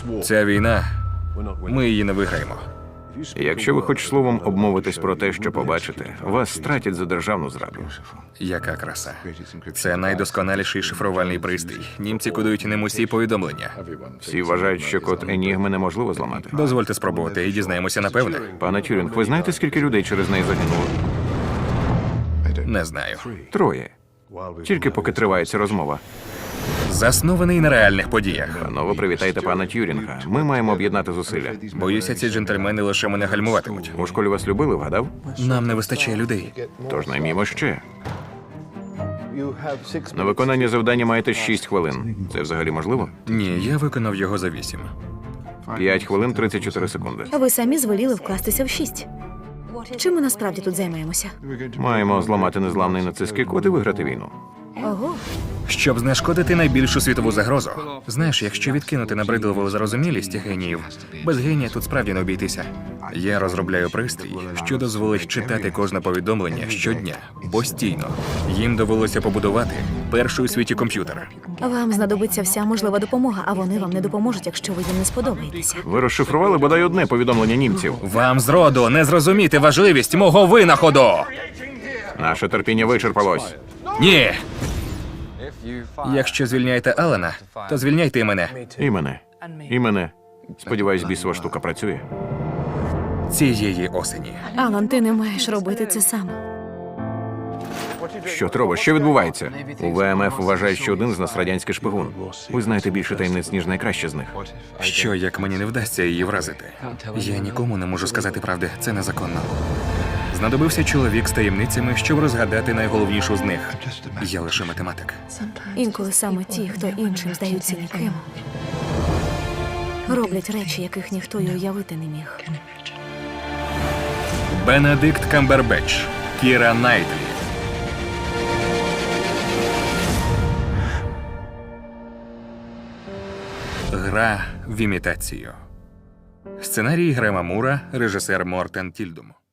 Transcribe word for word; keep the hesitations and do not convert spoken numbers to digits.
Ця війна, ми її не виграємо. Якщо ви хоч словом обмовитесь про те, що побачите, вас стратять за державну зраду. Яка краса. Це найдосконаліший шифрувальний пристрій. Німці кодують ним усі повідомлення. Всі вважають, що код Енігми неможливо зламати. Дозвольте спробувати і дізнаємося напевне. Пане Тюрінг, ви знаєте, скільки людей через неї загинуло? Не знаю. Троє. Тільки поки триває ця розмова. Заснований на реальних подіях. Панове, привітайте пана Тюрінга. Ми маємо об'єднати зусилля. Боюся, ці джентльмени лише мене гальмуватимуть. У школі вас любили, вгадав? Нам не вистачає людей. Тож наймімо ще. На виконання завдання маєте шість хвилин. Це взагалі можливо? Ні, я виконав його за вісім. П'ять хвилин тридцять чотири секунди. Ви самі звеліли вкластися в шість. Чим ми насправді тут займаємося? Маємо зламати незламний нацистський код і виграти війну. Ого, Щоб знешкодити найбільшу світову загрозу. Знаєш, якщо відкинути набридливу зарозумілість геніїв, без генія тут справді не обійтися. Я розробляю пристрій, що дозволить читати кожне повідомлення щодня, постійно. Їм довелося побудувати перший у світі комп'ютер. вам знадобиться вся можлива допомога, а вони вам не допоможуть, якщо ви їм не сподобаєтеся. Ви розшифрували бодай одне повідомлення німців. Вам зроду не зрозуміти важливість мого винаходу! Наше терпіння вичерпалось. Ні! Якщо звільняєте Алана, то звільняйте і мене. І мене. І мене. Сподіваюсь, бісова штука працює. Цієї осені. Алан, ти не маєш робити це сам. Що, Трово, що відбувається? У Вэ Ем Еф вважають, що один з нас радянський шпигун. Ви знаєте більше таємниць, ніж найкраще з них. Що, як мені не вдасться її вразити? Я нікому не можу сказати правди, це незаконно. Знадобився чоловік з таємницями, щоб розгадати найголовнішу з них. Я лише математик. Інколи саме ті, хто іншим здаються ніким, роблять речі, яких ніхто й уявити не міг. Бенедикт Камбербетч, Кіра Найтлі. Гра в імітацію. Сценарій Грема Мура, режисер Мортен Тільдум.